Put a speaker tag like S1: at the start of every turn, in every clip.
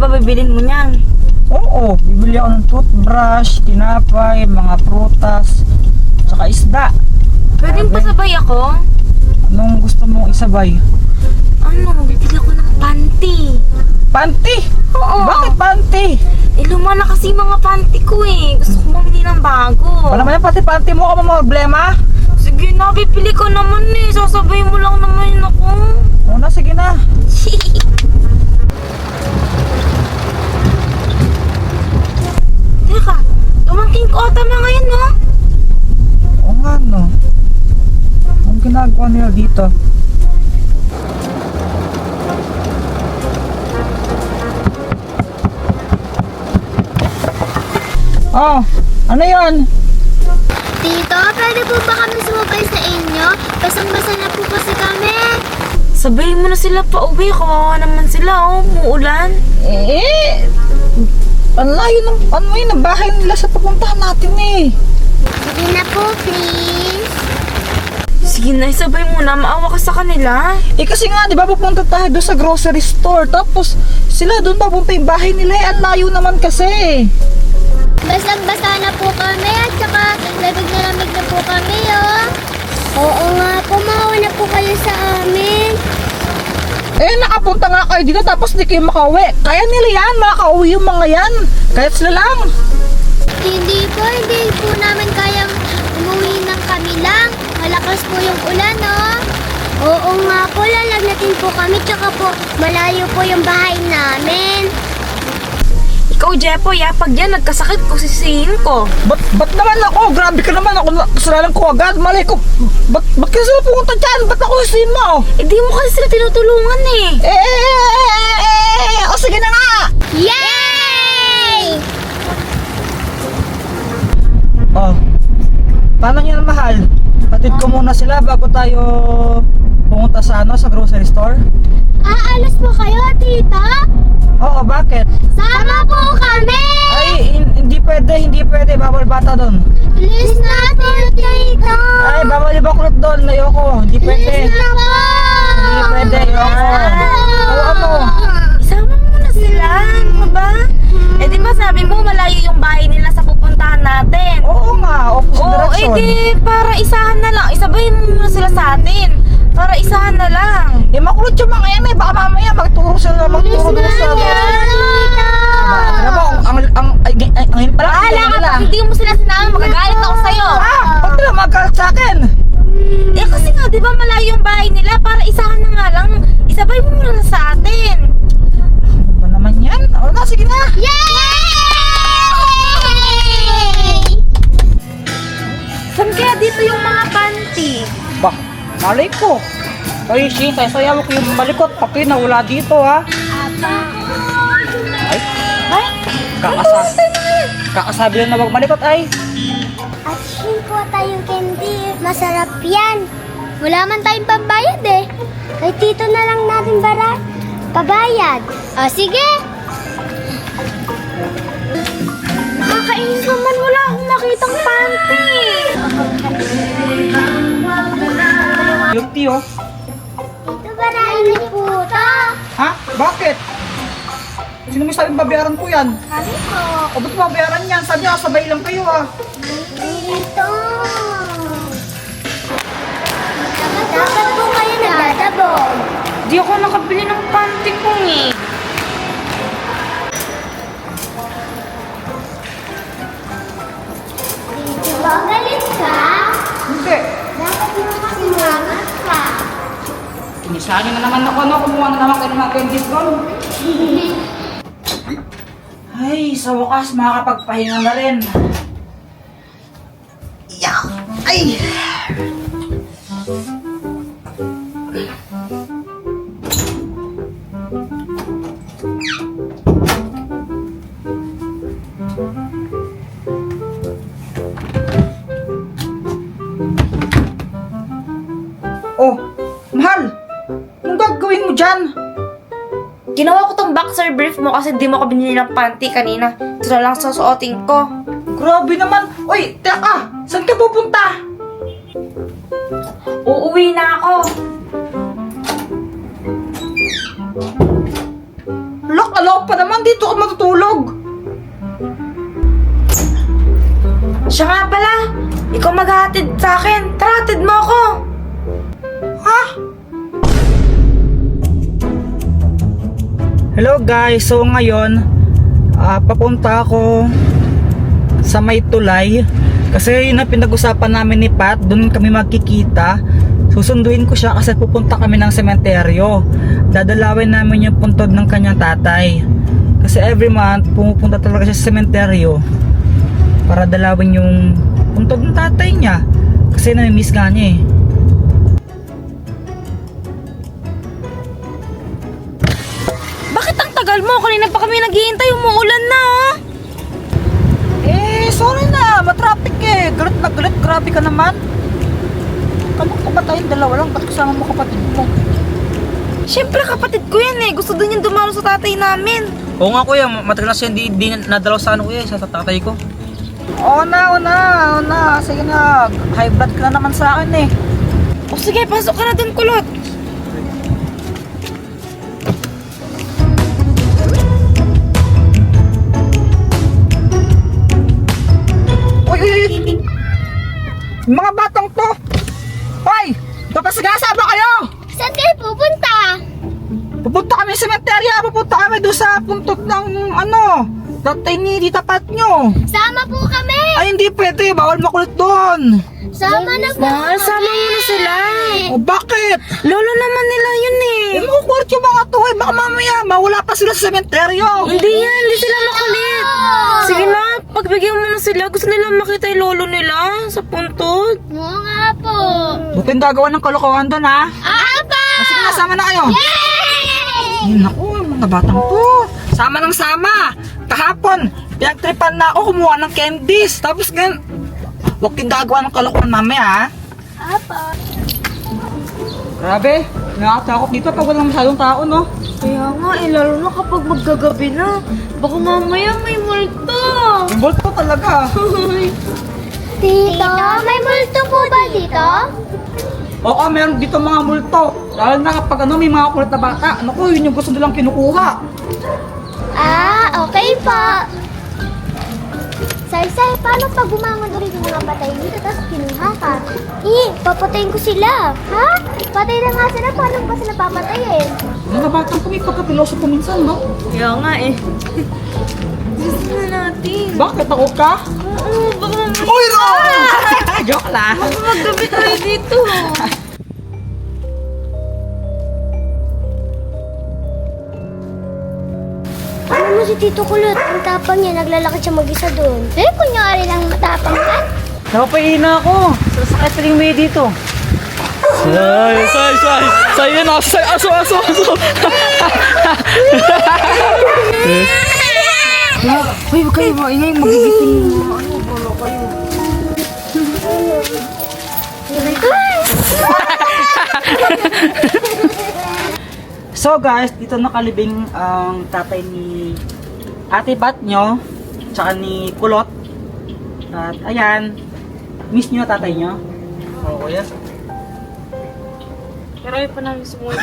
S1: ba bibilin mo niyan?
S2: Oo, bibili ako ng toothbrush, tinapay, mga prutas, tsaka isda.
S1: Pwedeng pasabay ako?
S2: Anong gusto mong isabay?
S1: Ano, bibili ako ng panty.
S2: Panty?
S1: Oo.
S2: Bakit panty?
S1: Luma na kasi mga panty ko eh. Gusto ko mamili ng bago.
S2: Wala naman yan, pati panty mo ka mga problema.
S1: Sige na, bibili ko naman eh. Sasabay mo lang naman yun ako.
S2: Oo na, sige na.
S1: Teka, tumangking ko ata mga ngayon, no?
S2: Oo nga, no. Anong ginagawa nila dito? Oh, ano yon?
S3: Tito, pwede po ba kami sumabay sa inyo? Basang-basa na po kasi kami.
S1: Sabayin mo na sila pa uwi. Kawawa naman sila, oh. Muulan.
S2: Ano yun ang bahay nila sa papuntahan natin eh.
S3: Sige na po, please.
S1: Sige na, isabay mo na. Maawa ka sa kanila.
S2: Kasi nga, di ba pupunta tayo doon sa grocery store. Tapos sila doon papunta yung bahay nila eh. Ang layo naman kasi.
S3: Basang-basa na po kami at saka lamig na po kami, oh. Oo nga po, maawa na po kayo sa amin.
S2: Nakapunta nga kayo dito tapos di kayo makauwi. Kaya nila yan, makauwi yung mga yan. Kahit sila lang.
S3: Hindi po namin kayang umuwi ng kami lang. Malakas po yung ulan, oh. Oo nga po, lalagnatin po kami, tsaka po malayo po yung bahay namin.
S1: Ikaw, Jepo, pag yan, nagkasakit ko, sisihin ko.
S2: Ba't naman ako? Grabe ka naman. Ako kasalanan ko agad. Malay ko. Ba't ka sila pumunta dyan? Ba't ako isin mo?
S1: Di mo kasi sila tinutulungan eh.
S2: O sige na nga.
S3: Yay!
S2: Oh, paano nyo na mahal? Hatid ko muna sila bago tayo pumunta sa sa grocery store.
S3: Aalas po kayo, tita?
S2: Oo, bakit?
S3: Sama po kami!
S2: Ay, hindi pwede. Bawal bata doon.
S3: Please na po, tita!
S2: Ay, bawal yung bakulot doon. Ayoko. Hindi pwede.
S3: Please na po!
S2: Hindi pwede. Ayoko. O ano?
S1: Isama mo na sila. Ano ka ba? Di ba sabi mo, malayo yung bahay nila sa pupuntahan natin?
S2: Oo nga. Opposite
S1: Oo,
S2: direction.
S1: para isahan na lang. Isabay mo muna sila sa atin. Para isahan na lang.
S2: Makulot yung mga yan eh. Baka mamaya magturo sila. Magturo doon sa... Alam mo, ang pala.
S1: Bahala ka, pag hindi mo sila sinama, magagalit ako sa'yo.
S2: Ba't nila magkalat sa akin?
S1: Kasi nga, di ba malayo yung bahay nila? Para isahan na nga lang. Isabay mo muna sa atin.
S2: Ano ba naman yan? O na, sige na.
S3: Yay!
S1: Saan kaya dito yung mga panty?
S2: Bah, malay ko. Ay, sayaw ko yung malikot. Pati na wala dito ha. Ay,
S1: Ay,
S2: kakasabi lang na wag malikot ay.
S3: At yun po tayong candy. Masarap yan. Wala man tayong pambayad eh. Kay tito na lang natin pabayad. O sige.
S1: nakakainis naman. Wala akong nakitang panty.
S2: Guilty oh.
S3: Tito, barahin niyo po ito.
S2: Ha? Bakit? Sino may sabing babayaran ko yan?
S3: Kami po.
S2: O ba't babayaran yan? Sabi niya, sabay lang kayo ah.
S3: Dito. Dapat po kayo nagdadabog.
S1: Di ako nakabili ng panty ko eh.
S3: Dito ba galit ka?
S2: Hindi.
S3: Dapat mo kasi mangat ka.
S2: Inisali na naman ako, no? Kumuha na naman kayo ng mga candies ko. Ay, sa wakas, makakapagpahinga na rin. Yeah. Ay! Oh, mahal! Anong gagawin mo dyan?
S1: Ginawa ko tong boxer brief mo kasi di mo ko binili ng panty kanina. Ito na lang susuotin ko.
S2: Grabe naman! Uy, teka! Saan ka pupunta?
S1: Uuwi na ako.
S2: Lock, Kala ko pa naman dito ka matutulog.
S1: Siya nga pala. Ikaw maghahatid sa akin. Tara, hatid mo ako.
S2: Ha? Hello guys, so ngayon papunta ako sa may tulay kasi yun ang pinag-usapan namin ni Pat, doon kami magkikita. Susunduin ko siya kasi pupunta kami ng sementeryo. Dadalawin namin yung puntod ng kanyang tatay kasi every month pumupunta talaga siya sa sementeryo para dalawin yung puntod ng tatay niya kasi nami-miss nga niya eh.
S1: Bakit ang tagal mo? Kanina pa kami naghihintay. Umuulan na, oh.
S2: Eh, sorry na, matraffic eh. Galit na galit, grabe ka naman. Kamukha ko ba tayong dalawa lang? Ba't kasama mo kapatid mo?
S1: Siyempre, kapatid ko yan eh. Gusto din yung dumalo sa tatay namin.
S4: Oo nga kuya, matagal na siya hindi nadalaw sa ano kuya, sa tatay ko.
S2: Oo na. Sige na, high blood ka na naman sa akin eh.
S1: O sige, pasok ka na dun, kulot.
S2: Uy! Mga batang to! Hoy! Papasagasa ba kayo?
S3: Saan kayo pupunta?
S2: Pupunta kami sa sementerya, pupunta kami doon sa puntod ng ano, tatay ni Tita Pat nyo.
S3: Sama po kami!
S2: Ay hindi pwede, bawal makulit doon.
S3: Sama na po
S1: Mahal,
S3: kami!
S1: sama mo na sila.
S2: O bakit?
S1: Lolo naman nila yun eh.
S2: Makukulit yung mga to eh, baka mamaya mawala pa sila sa sementeryo.
S1: Hindi yan, hindi sila makulit. Sige na, pagbigyan mo na sila. Gusto nila makita yung lolo nila sa puntod.
S3: Oo nga po!
S2: Buting gagawa ng kalokohan doon ha.
S3: Apa!
S2: Sige na, sama na kayo.
S3: Yay!
S2: Ay, naku, mga batang to. Sama ng sama. Kahapon, pinagtripan na ako kumuha ng candies. Tapos ganyan, huwag kang gagawa ng kalokohan mamaya ha.
S3: Apa!
S2: Grabe, nakakatakot dito pag walang masyadong tao no.
S1: Kaya nga eh, lalo na kapag maggagabi na. Baka mamaya may multo.
S2: Yung bolt po talaga.
S3: Tito, may multo po ba dito?
S2: Oo, meron dito mga multo. Lalo na kapag ano, may mga kulit na bata. Naku, yun yung gusto nilang kinukuha.
S3: Ah, okay po. Say, paano pag bumangon ulit yung mga patay dito tapos kinuha ka? Papatayin ko sila. Ha? Patay na nga sila, paano pa sila papatayin?
S2: Mga batang ko may pagkapiloso po minsan, no?
S1: Kaya nga eh. Gusto na natin.
S2: Bakit? Takot ka?
S1: Oo, baka mamaya.
S2: Uy, no! Joke lang.
S1: Baka maggabi tayo dito.
S3: Ano mo si Tito Kulot? Ang tapang niya, naglalakad siya mag-isa doon. Eh, kunyari lang matapang ka.
S2: Napapahina ako. Sasakit pa rin may dito. Say, yan ako. Say, aso. Uy, huwag kayo maingay. Magigiting mo. Ano, bala kayo. So guys, dito nakalibing ang tatay ni Ate Bat nyo, tsaka ni Kulot. At ayan, miss nyo tatay nyo?
S4: Oo kuya.
S1: Pero ayaw pa namin sumunod.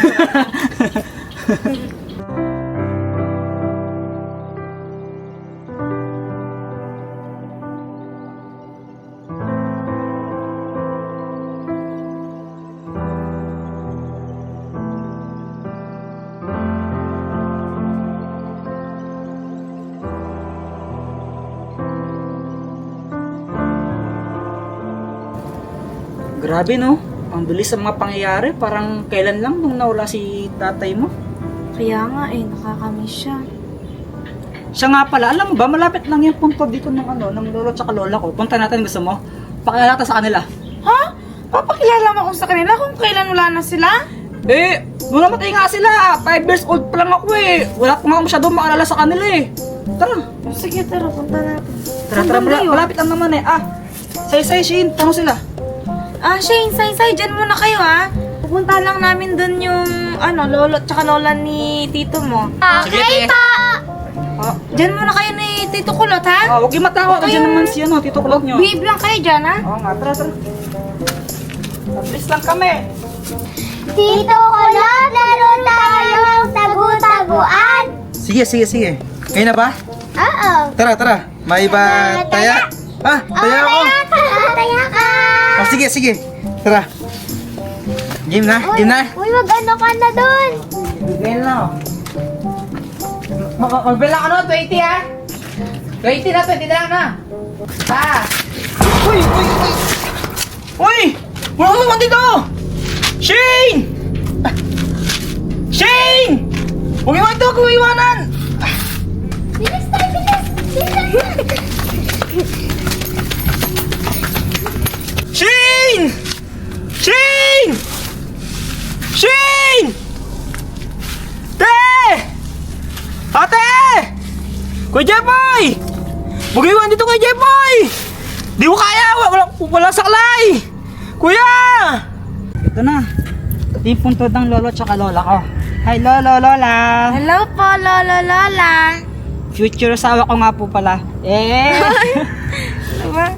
S2: Grabe no, ang bilis sa mga pangyayari. Parang kailan lang nung nawala si tatay mo.
S1: Kaya nga eh, nakakamiss siya.
S2: Siya nga pala, alam mo ba, malapit lang yung punto dito ng ano, ng lolo at lola ko. Punta natin, gusto mo? Pakilala natin sa kanila.
S1: Ha? Papakilala mo ako sa kanila kung kailan wala na sila?
S2: Eh, nung namatay nga sila, 5 years old pa lang ako eh. Wala ko nga masyadong maalala sa kanila eh. Tara,
S1: Sige, tara, punta natin.
S2: tara, malapit lang naman eh. Say, Shin, tanong sila.
S1: Shane, say, dyan muna kayo ha. Pupunta lang namin dun yung, lolo at lola ni tito mo.
S3: Okay po!
S1: Dyan muna kayo ni Tito Kulot ha.
S2: Huwag yung matakot, nandiyan naman si ano, Tito Kulot nyo.
S1: Behave lang kayo dyan ha.
S2: Oo nga, tara. Mabilis lang kami.
S3: Tito Kulot, laro tayo ng tagu-taguan.
S5: Sige. Kayo na ba?
S3: Oo.
S5: Tara. May ba taya? Taya ako.
S3: Taya ka.
S5: Sige. Tara. Game na.
S3: Uy, mag-ano ka na doon.
S2: Bigyan na. Magbila ka no, 20 ha? 20 na na.
S5: Uy! Wala ka naman dito! Shane! Shane! Huwag iwanan!
S3: Bilis tayo, bilis.
S5: Shane! Te! Ate! Kuya Jeboy! Huwag iwan dito kay Jeboy! Di ko kaya! Wala saklay! Kuya!
S2: Ito na. Ito yung puntod ng lolo tsaka lola ko. Hi lolo, lola.
S1: Hello po, Lolo, Lola.
S2: Future asawa ko nga po pala.
S1: Ano ba?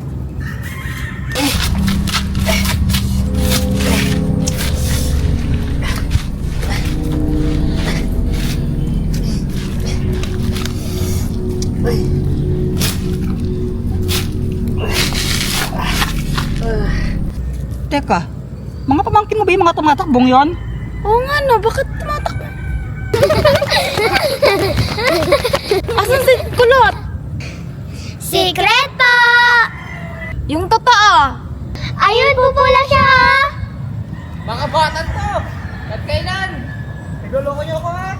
S2: Teka, mga pamangkin mo ba yung mga tumatakbong yon?
S1: Oo nga no, bakit tumatakbo? Asan si Kulot?
S3: Secret po.
S1: Yung totoo.
S3: Ayun, pupula siya.
S2: Mga batan to! At kailan? Nagluloko niyo ako ha?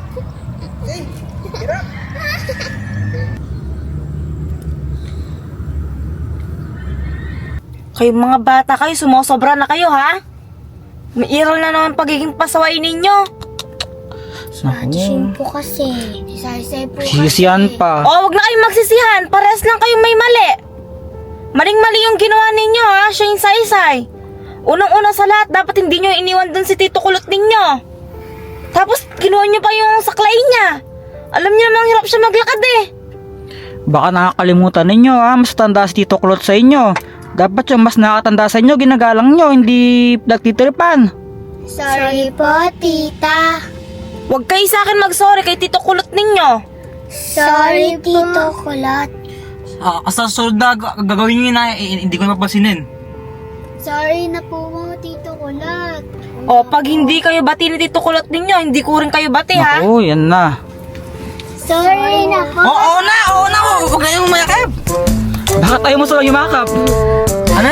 S1: Kayong mga bata kayo, sumosobra na kayo ha? May iral na naman pagiging pasaway ninyo.
S3: Shane po kasi. Say po kasi.
S2: Sisiyan pa.
S1: Oh, wag na kayong magsisihan. Parehas lang kayong may mali. Maling-mali yung ginawa ninyo ha, Shane Saysay. Unang-una sa lahat, dapat hindi nyo iniwan dun si Tito Kulot ninyo. Tapos, kinuha nyo pa yung saklay niya. Alam niyo namang hirap siya maglakad eh.
S2: Baka nakakalimutan ninyo ha, mas tanda si Tito Kulot sa inyo. Dapat yung mas nakatanda sa inyo, ginagalang nyo, hindi nagtitripan.
S3: Sorry po, tita.
S1: Huwag kayo sa akin mag-sorry kay Tito Kulot ninyo.
S3: Sorry, Tito Kulot.
S4: Sa sunod na gagawin nyo yun na, hindi ko mapansinin.
S3: Sorry na po mga Tito Kulot.
S1: O, pag hindi kayo bati ni Tito Kulot ninyo, hindi ko rin kayo bati ha.
S2: Oo, yan na.
S3: Sorry na po.
S5: Oo na! Huwag na yung mayakip!
S2: Bakit tayo mo sila yumakap?
S5: Ano?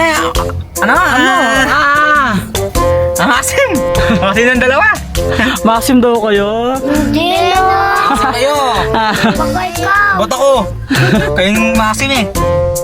S5: Masim! Masim ng dalawa!
S2: Maxim daw kayo.
S3: Hindi na.
S5: Kayo!
S3: Baka ikaw.
S5: Bot ako! Kayong masim eh!